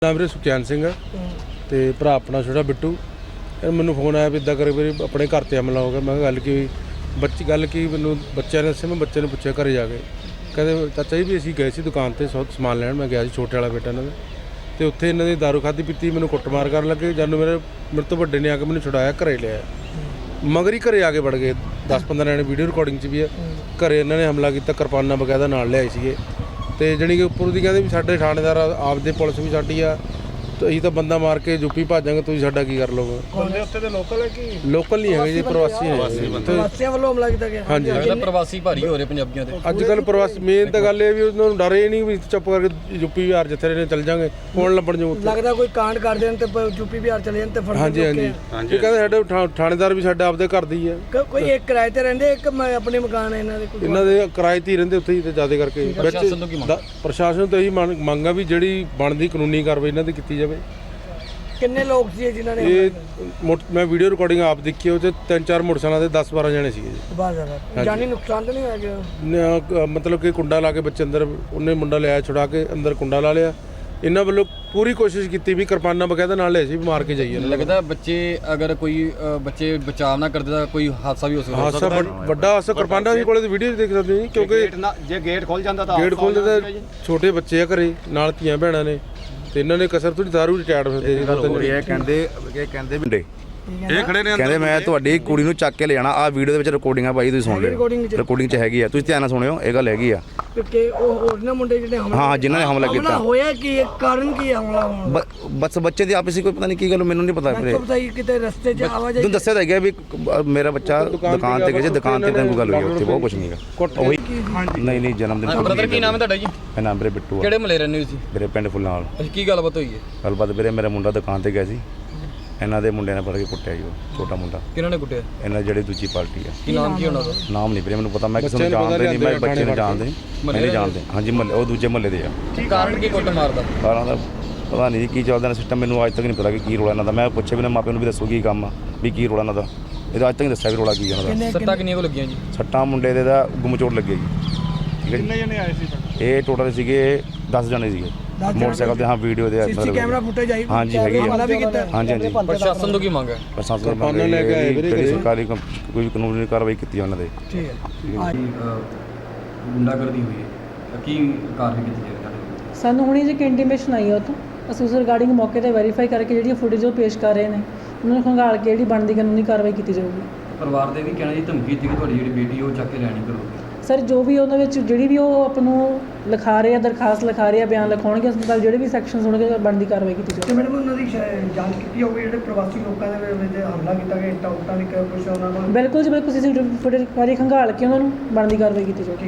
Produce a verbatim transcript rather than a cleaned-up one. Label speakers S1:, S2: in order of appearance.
S1: नाम मेरे सुखचैन सिंह है तो भरा अपना छोटा बिट्टू। मैनू फोन आया भी इदा करे भी अपने घर से हमला हो गया। मैं गल की बच्ची गल की मैनू बच्चे ने दस्सिया। मैं बच्चे ने पूछा घरे जाके कहते चाचा जी भी असीं गए सी दुकान पर सौ समान लैन। मैं गया छोटे वाला बेटा इन्हों तो उत्थे इन्हों की दारू खाधी पीती मैनू कुटमार कर लगे। जब मेरे मेरे तो वड्डे ने आके मैनू छुड़ाया घरे लिया मगर ही घरे आके बढ़ गए। दस पंद्रह जने वीडियो रिकॉर्डिंग च भी है। घरे इन्होंने हमला किया किरपाना बकायदा नाल लिआए सीगे ਤੇ ਜਾਣੀ ਕਿ ਉੱਪਰ ਦੀ ਕਹਿੰਦੇ ਵੀ ਸਾਡੇ ਥਾਣੇਦਾਰ ਆਪਦੇ ਪੁਲਿਸ ਵੀ ਸਾਡੀ ਆ ਤੇ ਅਸੀਂ ਤਾਂ ਬੰਦਾ ਮਾਰ ਕੇ ਯੂਪੀ ਭਾਜਾਂਗੇ ਤੁਸੀਂ ਸਾਡਾ ਕੀ ਕਰ ਲੋਗੇ।
S2: ਬੰਦੇ ਉੱਤੇ ਦੇ ਲੋਕਲ ਹੈ ਕਿ
S1: ਲੋਕਲ ਨਹੀਂ ਹੈਗੇ ਜੀ ਪ੍ਰਵਾਸੀ ਨੇ।
S2: ਪ੍ਰਵਾਸੀਆਂ ਵੱਲੋਂ ਹਮਲਾ ਕੀਤਾ ਗਿਆ।
S1: ਹਾਂਜੀ
S3: ਜਿਹੜਾ ਪ੍ਰਵਾਸੀ ਭਾਰੀ ਹੋ ਰਹੇ ਪੰਜਾਬੀਆਂ ਤੇ
S1: ਅੱਜ ਕੱਲ੍ਹ ਪ੍ਰਵਾਸੀ ਮੇਨ ਤਾਂ ਗੱਲ ਇਹ ਵੀ ਉਹਨਾਂ ਨੂੰ ਡਰ ਇਹ ਨਹੀਂ ਵੀ ਚੁੱਪ ਕਰਕੇ ਯੂਪੀ ਬਿਹਾਰ ਜਿੱਥੇ ਰਹੇ ਨੇ ਚੱਲ ਜਾਾਂਗੇ ਕੌਣ ਲੱਭਣ ਜੋ
S2: ਲੱਗਦਾ ਕੋਈ ਕਾਂਡ ਕਰ ਦੇਣ ਤੇ ਯੂਪੀ ਬਿਹਾਰ ਚਲੇ ਜਾਣ ਤੇ ਫੜ
S1: ਹਾਂਜੀ ਹਾਂਜੀ ਇਹ ਕਹਿੰਦੇ ਸਾਡੇ ਥਾ- ਥਾਣੇਦਾਰ ਵੀ ਸਾਡੇ ਆਪਦੇ ਘਰ ਦੀ ਆ।
S2: ਕੋਈ ਇੱਕ ਕਿਰਾਏ ਤੇ ਰਹਿੰਦੇ ਇੱਕ ਮ- ਆਪਣੇ ਮਕਾਨ ਹੈ ਇਹਨਾਂ ਦੇ ਕੋਈ
S1: ਇਹਨਾਂ ਦੇ ਕਿਰਾਏ ਤੇ ਹੀ ਰਹਿੰਦੇ ਉੱਥੇ ਹੀ ਤੇ ਜ਼ਿਆਦਾ ਕਰਕੇ
S3: ਪ੍ਰਸ਼ਾਸਨ ਤੋਂ ਕੀ ਮੰਗ?
S1: ਪ੍ਰਸ਼ਾਸਨ ਤੋਂ ਇਹੀ ਮੰਗ ਮੰਗ ਆ ਵੀ ਜਿਹੜੀ ਬਣਦੀ ਕਾਨੂੰਨੀ ਕਾਰਵਾਈ ਇਹਨਾਂ ਦੀ ਕੀਤੀ ਜਾਵੇ।
S2: ਕਿੰਨੇ ਲੋਕ ਸੀ ਜਿਨ੍ਹਾਂ ਨੇ
S1: ਇਹ ਮੋਟ- ਮੈਂ ਵੀਡੀਓ ਰਿਕਾਰਡਿੰਗ ਆਪ ਦੇਖੀ ਉਹ 'ਚ ਤਿੰਨ ਚਾਰ ਮੋਟਰਸਾਈਕਲਾਂ ਦੇ ਦਸ ਬਾਰਾਂ ਜਣੇ ਸੀਗੇ ਜੀ।
S2: ਬਾਹਰ ਜ਼ਿਆਦਾ ਜਾਨੀ ਨੁਕਸਾਨ ਤਾਂ ਨਹੀਂ ਹੋਇਆ ਗਿਆ?
S1: ਨ- ਮਤਲਬ ਕਿ ਕੁੰਡਾ ਲਾ ਕੇ ਬੱਚੇ ਅੰਦਰ ਉਹਨੇ ਮੁੰਡਾ ਲਿਆਇਆ ਛੁਡਾ ਕੇ ਅੰਦਰ ਕੁੰਡਾ ਲਾ ਲਿਆ। ਇਹਨਾਂ ਵੱਲੋਂ ਪੂਰੀ ਕੋਸ਼ਿਸ਼ ਕੀਤੀ ਵੀ ਕਿਰਪਾਨਾਂ ਬਕਾਇਦਾ ਨਾਲ ਲਿਆ ਸੀ ਵੀ ਮਾਰ ਕੇ ਜਾਈਏ।
S3: ਲੱਗਦਾ ਬੱਚੇ ਅਗਰ ਕੋਈ ਅ, ਬੱਚੇ ਬਚਾਅ ਨਾ ਕਰਦੇ ਤਾਂ ਕੋਈ ਹਾਦਸਾ ਵੀ ਹੋ ਸਕਦਾ।
S1: ਹਾਦਸਾ ਵੱਡ- ਵੱਡਾ ਹਾਦਸਾ ਕਿਰਪਾਨਾਂ ਦੀ ਕੋਲੇ ਵੀਡੀਓ ਦੇਖ ਸਕਦੇ ਜੀ ਕਿਉਂਕਿ
S4: ਜੇ ਗੇਟ ਖੁੱਲ ਜਾਂਦਾ ਤਾਂ
S1: ਗੇਟ ਖੋਲਦੇ ਤਾਂ ਛੋਟੇ ਬੱਚੇ ਆ ਘਰੇ ਨਾਲ ਧੀਆਂ ਭੈਣਾਂ ਨੇ ਤੇ ਇਹਨਾਂ ਨੇ ਕਸਰ ਥੋੜੀ ਦਾਰੂ ਰਿਟਾਇਰਡ ਹੁੰਦੇ ਸੀ।
S5: ਇਹ ਕਹਿੰਦੇ ਇਹ ਕਹਿੰਦੇ ਮੁੰਡੇ ਇਹ ਖੜੇ ਨੇ ਕਹਿੰਦੇ ਮੈਂ ਤੁਹਾਡੀ ਕੁੜੀ ਨੂੰ ਚੱਕ ਕੇ ਲੈ ਜਾਣਾ। ਆਹ ਵੀਡੀਓ ਦੇ ਵਿੱਚ ਰਿਕਾਰਡਿੰਗ ਆ ਬਾਈ ਤੁਸੀਂ ਸੁਣ ਲਿਓ ਰਿਕਾਰਡਿੰਗ 'ਚ ਹੈਗੀ ਆ ਤੁਸੀਂ ਧਿਆਨ ਨਾਲ ਸੁਣਿਓ ਇਹ ਗੱਲ ਹੈਗੀ ਆ
S2: ਕਿ ਉਹ ਹੋਰ ਨਾ ਮੁੰਡੇ ਜਿਹੜੇ ਹਮਲਾ
S5: ਹਾਂ ਜਿਨ੍ਹਾਂ ਨੇ ਹਮਲਾ ਕੀਤਾ
S2: ਹੋਇਆ ਕੀ ਇਹ ਕਾਰਨ ਕੀ ਹਮਲਾ ਹੋਣ
S5: ਬ- ਬਸ ਬੱਚੇ ਦੀ ਆਪਸੀ ਕੋਈ ਪਤਾ ਨਹੀਂ ਕੀ ਗੱਲ ਮੈਨੂੰ ਨਹੀਂ ਪਤਾ ਵੀਰੇ।
S2: ਦਾ ਪਤਾ ਹੀ ਕਿਤੇ ਰਸਤੇ 'ਚ ਆਵਾਜਾਈ
S5: ਤੁਹਾਨੂੰ ਦੱਸਿਆ ਤਾਂ ਗਿਆ ਵੀ ਕ- ਮੇਰਾ ਬੱਚਾ ਦੁਕਾਨ ਤੇ ਗਿਆ ਸੀ ਦੁਕਾਨ ਤੇ ਤਾਂ ਕੋਈ ਗੱਲ ਹੋਈ ਉੱਥੇ ਬਹੁਤ ਕੁਝ ਨਹੀਂ ਹੈਗਾ ਉਹੀ ਨਹੀਂ ਨਹੀਂ ਜਨਮ ਦਿਨ
S3: ਬ੍ਰਦਰ ਕੀ ਨਾਮ ਹੈ ਤੁਹਾਡਾ ਜੀ?
S5: ਮੇਰਾ ਨਾਮ ਵੀਰੇ ਬਿੱਟੂ ਆ
S3: ਕਿਹੜੇ ਮਲੇ ਰਹਿੰਦੇ ਹੋ ਤੁਸੀਂ?
S5: ਮੇਰੇ ਪਿੰਡ ਫੁੱਲਾਂ ਵਾਲ।
S3: ਅੱਛਾ ਕੀ ਗੱਲਬਾਤ ਹੋਈ ਹੈ?
S5: ਗੱਲਬਾਤ ਵੀਰੇ ਮੇਰਾ ਮੁੰਡਾ ਦੁਕਾਨ ਤੇ ਗਿਆ ਸੀ ਇਹਨਾਂ ਦੇ ਮੁੰਡਿਆਂ ਨੇ ਫੜ ਕੇ ਕੁੱਟਿਆ ਜੀ ਉਹ ਛੋਟਾ ਮੁੰਡਾ
S3: ਕਿਹਨਾਂ ਨੇ ਕੁੱਟਿਆ?
S5: ਇਹਨਾਂ ਜਿਹੜੀ ਦੂਜੀ ਪਾਰਟੀ ਆ
S3: ਕੀ ਨਾਮ ਕੀ ਉਹਨਾਂ ਦਾ?
S5: ਨਾਮ ਨਹੀਂ ਵੀਰੇ ਮੈਨੂੰ ਪਤਾ ਮੈਂ ਕਿਸੇ ਨੂੰ ਜਾਣਦਾ ਨਹੀਂ ਮੈਂ ਬੱਚੇ ਨੂੰ ਜਾਣਦੇ ਮੈਂ ਨਹੀਂ ਜਾਣਦੇ ਹਾਂਜੀ ਮਹੱਲੇ ਉਹ ਦੂਜੇ ਮਹੱਲੇ ਦੇ ਆ।
S3: ਕੀ ਕਾਰਨ ਕੀ ਕੁੱਟ ਮਾਰਦਾ?
S5: ਕਾਰਾਂ ਦਾ ਪਤਾ ਨਹੀਂ ਕੀ ਚੱਲਦਾ ਨਾ ਸਿਸਟਮ ਮੈਨੂੰ ਅੱਜ ਤੱਕ ਨਹੀਂ ਪਤਾ ਕਿ ਕੀ ਰੋਲਾ ਇਹਨਾਂ ਦਾ। ਮੈਂ ਪੁੱਛਿਆ ਵੀ ਨਾ ਮਾਪਿਆਂ ਨੂੰ ਵੀ ਦੱਸੋ ਕੀ ਕੰਮ ਆ ਵੀ ਕੀ ਰੋਲਾ ਇਹਨਾਂ ਦਾ। ਇਹਦਾ ਅੱਜ ਤੱਕ ਨਹੀਂ ਦੱਸਿਆ ਵੀ ਰੋਲਾ ਕੀ ਇਹਨਾਂ ਦਾ।
S3: ਸੱਟਾਂ ਕਿੰਨੀਆਂ ਕੋ ਲੱਗੀਆਂ ਜੀ?
S5: ਸੱਟਾਂ ਮੁੰਡੇ ਦੇ ਦਾ ਗੁੰਮਚੋੜ ਲੱਗੇ ਜੀ ਠੀਕ ਹੈ ਜੀ।
S2: ਕਿੰਨੇ ਜਣੇ ਆਏ ਸੀ?
S5: ਇਹ ਟੋਟਲ ਸੀਗੇ ਦਸ ਜਣੇ ਸੀਗੇ ਮੋਟਰਸਾਈਕਲ ਤੇ। ਹਾਂ ਵੀਡੀਓ ਦੇ
S2: ਸੀਸੀ ਕੈਮਰਾ ਫੁਟੇਜ ਆਈ
S5: ਹਾਂਜੀ ਹੈਗੀ ਆ।
S2: ਹਮਲਾ ਵੀ ਕੀਤਾ?
S5: ਹਾਂਜੀ ਹਾਂਜੀ
S3: ਪ੍ਰਸ਼ਾਸਨ ਤੋਂ ਕੀ ਮੰਗ ਹੈ?
S5: ਪ੍ਰਸ਼ਾਸਨ ਤੋਂ ਮੰਗ
S1: ਲੈ ਕੇ ਆਏ ਵੀਰੇ
S5: ਜਿਹੜੀ ਸਰਕਾਰੀ ਕੰਮ- ਕੋਈ ਕਾਨੂੰਨੀ ਕਾਰਵਾਈ ਕੀਤੀ ਉਹਨਾਂ ਦੇ।
S2: ਠੀਕ ਹੈ
S3: ਗੁੰਡਾਗਰਦੀ ਹੋਈ ਹੈ ਕੀ ਕਾਰਵਾਈ ਕੀਤੀ ਜਾਵੇ?
S6: ਸਾਨੂੰ ਹੁਣੀ ਜੇ ਇੰਟੀਮੇਸ਼ਨ ਆਈ ਆ ਉੱਥੋਂ ਅਸੀਂ ਉਸ ਰਿਗਾਰਡਿੰਗ ਮੌਕੇ ਤੇ ਵੈਰੀਫਾਈ ਕਰਕੇ ਜਿਹੜੀ ਫੁਟੇਜ ਉਹ ਪੇਸ਼ ਕਰ ਰਹੇ ਨੇ ਉਹਨਾਂ ਨੂੰ ਖੰਗਾਲ ਕੇ ਜਿਹੜੀ ਬਣਦੀ ਕਾਨੂੰਨੀ ਕਾਰਵਾਈ ਕੀਤੀ ਜਾਊਗੀ।
S3: ਪਰਿਵਾਰ ਦੇ ਵੀ ਕਹਿਣਾ ਜੀ ਧਮਕੀ ਦਿੱਤੀ ਕਿ ਤੁਹਾਡੀ ਜਿਹੜੀ ਬੇਟੀ ਉਹ ਚੱਕ ਕੇ ਲੈਣੀ ਕਰੋਗੇ।
S6: ਸਰ ਜੋ ਵੀ ਉਹਨਾਂ ਵਿੱਚ ਜਿਹੜੀ ਵੀ ਉਹ ਆਪ ਨੂੰ ਲਿਖਾ ਰਹੇ ਆ ਦਰਖਾਸਤ ਲਿਖਾ ਰਹੇ ਆ ਬਿਆਨ ਲਿਖਾਉਣਗੇ ਉਸ ਨਾਲ ਜਿਹੜੇ ਵੀ ਸੈਕਸ਼ਨਸ ਹੋਣਗੇ ਬਣਦੀ ਕਾਰਵਾਈ ਕੀਤੀ
S2: ਤੇ
S6: ਜਾਊਗੀ।
S2: ਮੈਡਮ ਉਹਨਾਂ ਦੀ ਸ਼ਾਇਦ ਜਾਂਚ ਕੀਤੀ ਹੋਊਗੀ ਜਿਹੜੇ ਪ੍ਰਵਾਸੀ ਲੋਕਾਂ ਦੇ ਵਿੱਚ ਹਮਲਾ ਕੀਤਾ ਗਿਆ ਇੱਟਾਂ ਉੱਟਾਂ ਦੀ ਕੁਛ ਉਹਨਾਂ ਕੋਲ?
S6: ਬਿਲਕੁਲ ਜੀ ਬਿਲਕੁਲ ਸੀਸੀਟੀਵੀ ਫੁਟੇਜ ਵਾਰੀ ਖੰਗਾਲ ਕੇ ਉਹਨਾਂ ਨੂੰ ਬਣਦੀ ਕਾਰਵਾਈ ਕੀਤੀ ਜਾਊਗੀ।